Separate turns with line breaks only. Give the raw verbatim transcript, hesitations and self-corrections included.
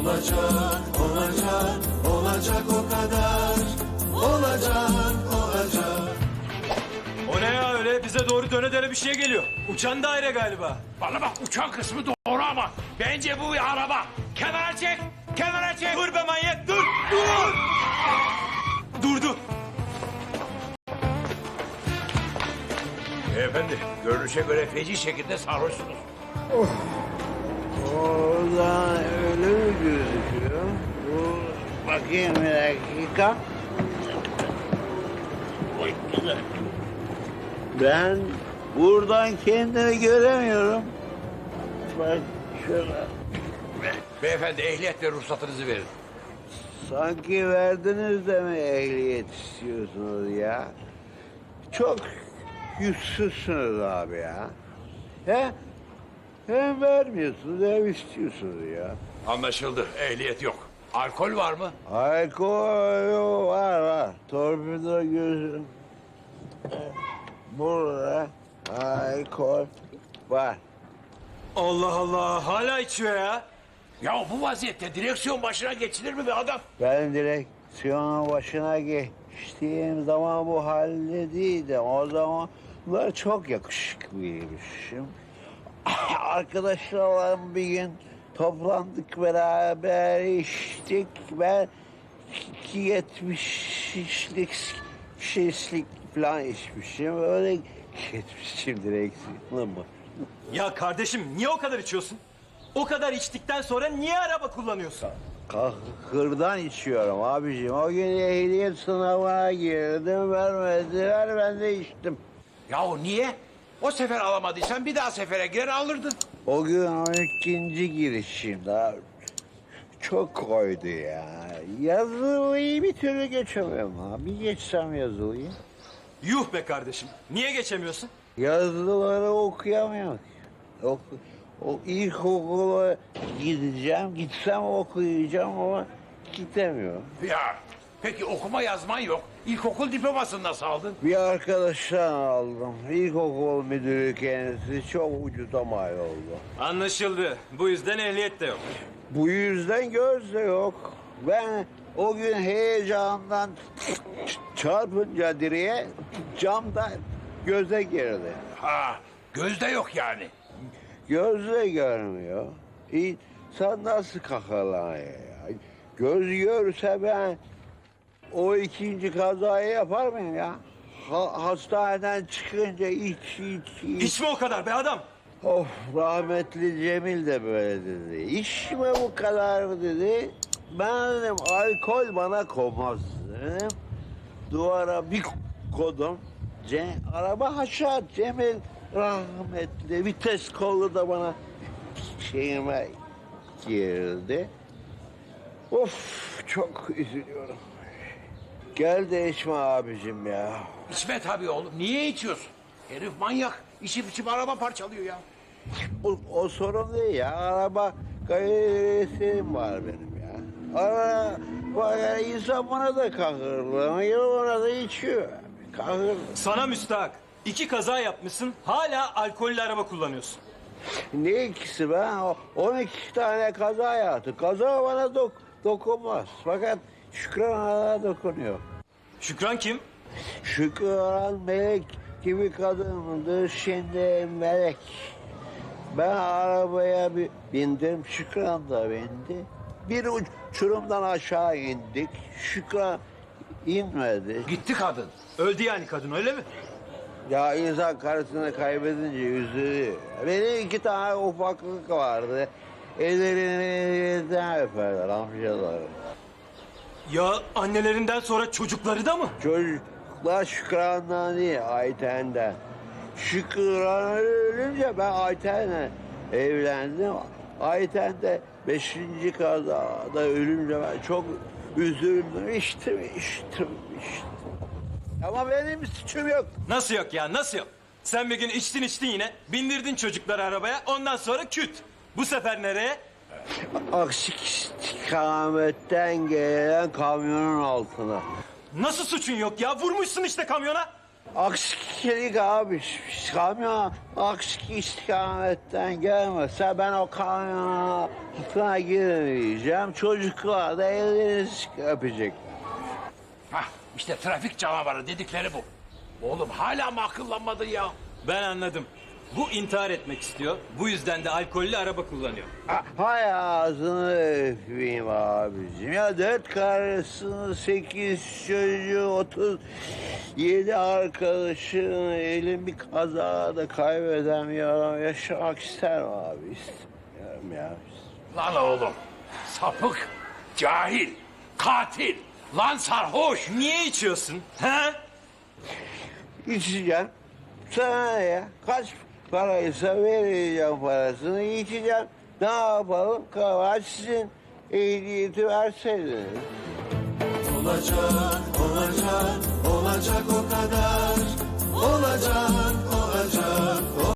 Olacak, olacak, olacak o kadar. Olacak, olacak.
O ne ya öyle? Bize doğru döne döne bir şey geliyor. Uçan daire galiba.
Bana bak, uçan kısmı doğru ama bence bu bir araba. Kenara çek, kenara çek.
Dur be manyak, dur, dur! Durdu.
Beyefendi, görünüşe göre feci şekilde sarhoşsunuz.
Oradan öyle mi gözüküyor? Bu bakayım bir dakika. Oy, güzel. Ben buradan kendimi göremiyorum. Bak şuna.
Beyefendi, ehliyet ve ruhsatınızı verin.
Sanki verdiniz de mi ehliyet istiyorsunuz ya? Çok yüzsüzsünüz abi ya. He? Hem vermiyorsunuz hem istiyorsunuz ya.
Anlaşıldı, ehliyet yok. Alkol var mı?
Alkol var var. Torpido gözüm. Burada alkol var.
Allah Allah, hala içiyor ya.
Ya bu vaziyette direksiyon başına geçilir mi be adam?
Ben direksiyonun başına geçtiğim zaman bu halde değildim. O zamanlar çok yakışıklıymışım. Arkadaşlarla bir gün toplandık, beraber içtik. Ben iki yetmişlik şişlik falan içmişim. Öyle geçmişim direksiyonla mı?
Ya kardeşim niye o kadar içiyorsun? O kadar içtikten sonra niye araba kullanıyorsun?
Kahırdan içiyorum abiciğim. O gün ehliyet sınavına girdim, vermediler, ben de içtim.
Yahu niye? O sefer alamadıysan bir daha sefere girer alırdın.
O gün on ikinci girişim daha çok koydu ya. Yazılıyı bir türlü geçemiyorum abi. Bir geçsem yazılıyı.
Yuh be kardeşim, niye geçemiyorsun?
Yazıları okuyamıyorum. O, o ilkokula gideceğim, gitsem okuyacağım ama gidemiyorum.
Ya peki okuma yazman yok. İlkokul diplomasını nasıl aldın?
Bir arkadaştan aldım. İlkokul müdürü kendisi, çok ucuza mal oldu.
Anlaşıldı. Bu yüzden ehliyet de yok.
Bu yüzden göz de yok. Ben o gün heyecandan çarpınca direğe camda göze girdi.
Ha, gözde yok yani.
Gözle görmüyor. İnsan nasıl kakalanıyor ya? Göz görse ben o ikinci kazayı yapar mıyım ya? Ha, hastaneden çıkınca iç iç iç.
İçme o kadar be adam.
Of, rahmetli Cemil de böyle dedi. İçme bu kadar mı dedi. Ben dedim alkol bana konmaz dedim. Duvara bir kodum. Ce, araba aşağı, Cemil rahmetli vites kolu da bana şeyime girdi. Of, çok üzülüyorum. Gel de içme abicim ya.
İçme tabii oğlum. Niye içiyorsun? Herif manyak. İçip içip araba parçalıyor ya.
O, o sorun değil ya. Araba gayretim var benim ya. Araba yani insan bana da kahırlanıyor, ona da içiyor. Kahır.
Sana müstahak. İki kaza yapmışsın, hala alkollü araba kullanıyorsun.
Ne ikisi ben? O- on iki tane kaza yaptı. Kaza bana dok dokunmaz. Fakat Şükran Hanım'a dokunuyor.
Şükran kim?
Şükran melek gibi kadındı, şimdi melek. Ben arabaya bir bindim, Şükran da bindi. Bir uçurumdan aşağı indik. Şükran inmedi.
Gitti kadın.
Öldü yani kadın, öyle mi?
Ya insan karısını kaybedince üzülüyor. Benim iki tane ufaklık vardı. Ellerinden öperler amcaları.
Ya annelerinden sonra çocukları da mı?
Çocuklar Şükran'dan değil, Ayten'den. Şükran ölünce ben Ayten'le evlendim. Ayten de beşinci kazada ölünce ben çok üzüldüm. İçtim, içtim, içtim. Ama benim suçum yok.
Nasıl yok ya, nasıl yok? Sen bir gün içtin içtin yine, bindirdin çocukları arabaya, ondan sonra küt. Bu sefer nereye?
Aksi istikametten gelen kamyonun altına.
Nasıl suçun yok ya? Vurmuşsun işte kamyona.
Aksi Aksilik abi. Kamyon aksi istikametten gelmese ben o kamyona girmeyeceğim. Çocuklar da ellerini öpecek.
Hah, işte trafik canavarı dedikleri bu. Oğlum hala mı akıllanmadın ya?
Ben anladım. Bu intihar etmek istiyor. Bu yüzden de alkollü araba kullanıyor.
Ha- Hay ağzını öpeyim abicim. Ya dört karısını, sekiz çocuğu, otuz yedi arkadaşını elin bir kazada kaybedemiyorum. Yaşamak isterim abi. İstemiyorum ya.
Lan oğlum, sapık, cahil, katil, lan sarhoş.
Niye içiyorsun? Ha?
İçeceğim. Sana ne ya? Kaç paraysa vereceğim parasını, içeceğim. Ne yapalım? Kaçsın. Ehliyeti verseydiniz.
Olacak, olacak, olacak o kadar. Olacak,